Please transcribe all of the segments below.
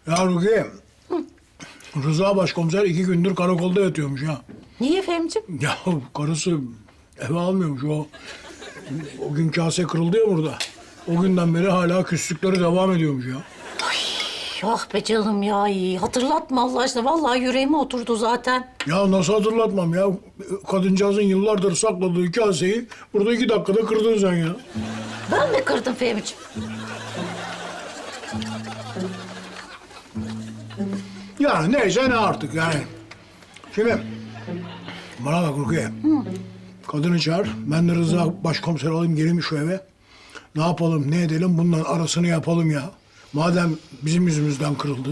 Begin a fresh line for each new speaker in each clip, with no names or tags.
Ya Rukiye, Rıza başkomiser 2 gündür karakolda yatıyormuş ya.
Niye Fehmiciğim?
Ya karısı eve almıyormuş o gün kase kırıldı ya burada. O günden beri hala küslükleri devam ediyormuş ya.
Ah be canım ya, iyi. Hatırlatma Allah aşkına. Vallahi yüreğime oturdu zaten.
Ya nasıl hatırlatmam ya? Kadıncağızın yıllardır sakladığı kaseyi burada 2 dakikada kırdın sen ya.
Ben mi kırdım Fehmiciğim?
Yani neyse ne artık yani. Şimdi bana bak Rukiye. Kadını çağır. Ben de Rıza başkomiser alayım geleyim şu eve. Ne yapalım ne edelim bunların arasını yapalım ya. Madem bizim yüzümüzden kırıldı.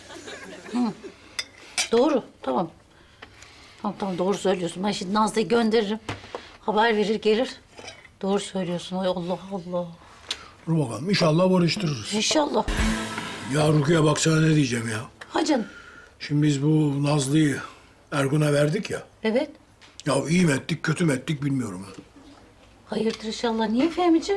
Doğru, tamam. Tamam, doğru söylüyorsun. Ben şimdi Nazlı'yı gönderirim. Haber verir gelir. Doğru söylüyorsun. Ay Allah Allah.
Dur bakalım inşallah barıştırırız.
İnşallah.
Ya Rukiye bak sana ne diyeceğim ya.
Ha canım.
Şimdi biz bu Nazlı'yı Ergun'a verdik ya.
Evet.
Ya iyi mi ettik kötü mü ettik bilmiyorum.
Hayırdır inşallah. Niye Fehmiciğim?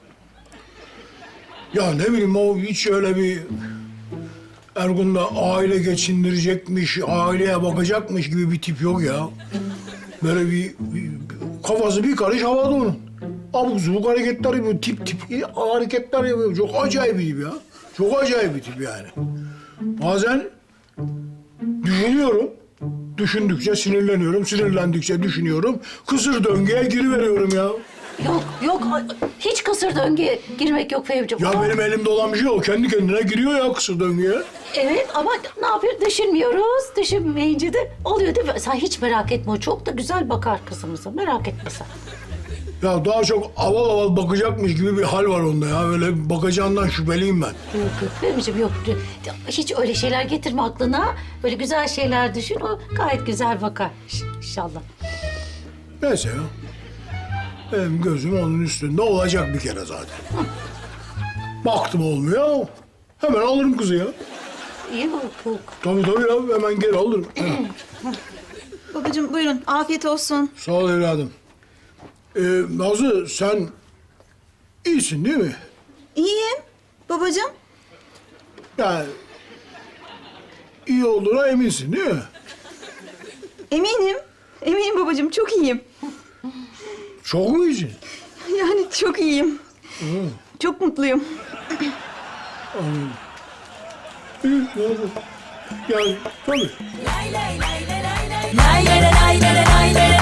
Ya ne bileyim o hiç öyle bir Ergun'da aile geçindirecekmiş, aileye bakacakmış gibi bir tip yok ya. Böyle bir kafası bir karış havada onun. Abuk subuk hareketler yapıyor, tip hareketler yapıyor. Çok acayip bir tip ya. Çok acayip bir tip yani. Bazen düşünüyorum. Düşündükçe sinirleniyorum, sinirlendikçe düşünüyorum. Kısır döngüye giriveriyorum ya.
Yok. Hiç kısır döngüye girmek yok Fehmiciğim.
Ya benim elimde olan bir şey o. Kendi kendine giriyor ya kısır döngüye.
Evet ama ne yapıyoruz? Düşünmüyoruz. Düşünmeyince de oluyor değil mi? Sen hiç merak etme. O çok da güzel bakar kızımıza. Merak etme sen.
Ya daha çok aval aval bakacakmış gibi bir hal var onda ya. Öyle bakacağından şüpheliyim ben.
Yok Fehmiciğim yok. Hiç öyle şeyler getirme aklına. Böyle güzel şeyler düşün. O gayet güzel bakar inşallah.
Neyse ya. Benim gözüm onun üstünde olacak bir kere zaten. Baktım olmuyor. Hemen alırım kızı ya.
İyi bak.
Tabii ya hemen geri alırım.
Babacığım buyurun, afiyet olsun.
Sağ ol evladım. Nazlı sen iyisin değil mi?
İyiyim babacığım.
Yani iyi olduğuna eminsin değil mi?
Eminim babacığım, çok iyiyim.
Çok mu iyisin?
Yani çok iyiyim. Çok mutluyum.
İyi, Nazlı. Yani tabii.
Lay lay lay lay lay lay